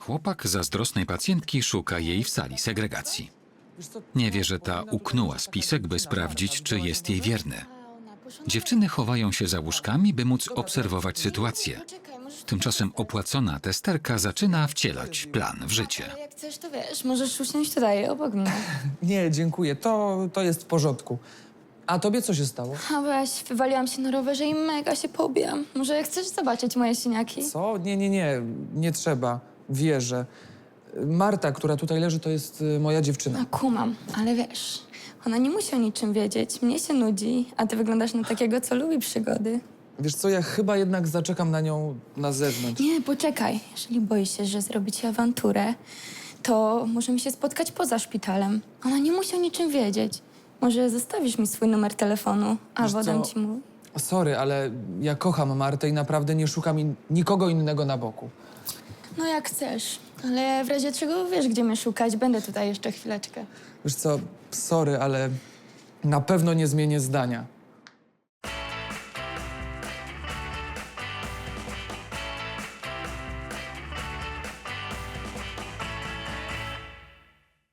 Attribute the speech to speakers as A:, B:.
A: chłopak zazdrosnej pacjentki szuka jej w sali segregacji. Nie wie, że ta uknęła spisek, by sprawdzić, czy jest jej wierny. Dziewczyny chowają się za łóżkami, by móc obserwować sytuację. Tymczasem opłacona testerka zaczyna wcielać plan w życie.
B: Ale jak chcesz, to wiesz, możesz usiąść tutaj, obok mnie.
C: Nie, dziękuję. To jest w porządku. A tobie co się stało?
B: A weź, wywaliłam się na rowerze i mega się pobijam. Może chcesz zobaczyć moje siniaki?
C: Co? Nie trzeba. Wierzę. Marta, która tutaj leży, to jest moja dziewczyna.
B: No kumam, ale wiesz, ona nie musi o niczym wiedzieć. Mnie się nudzi, a ty wyglądasz na takiego, co lubi przygody.
C: Wiesz co, ja chyba jednak zaczekam na nią na zewnątrz.
B: Nie, poczekaj. Jeżeli boisz się, że zrobi ci awanturę, to możemy się spotkać poza szpitalem. Ona nie musi o niczym wiedzieć. Może zostawisz mi swój numer telefonu, a
C: Wiesz
B: podam
C: co?
B: ci mój.
C: Sorry, ale ja kocham Martę i naprawdę nie szukam nikogo innego na boku.
B: No jak chcesz, ale w razie czego wiesz, gdzie mnie szukać. Będę tutaj jeszcze chwileczkę.
C: Wiesz co, sorry, ale na pewno nie zmienię zdania.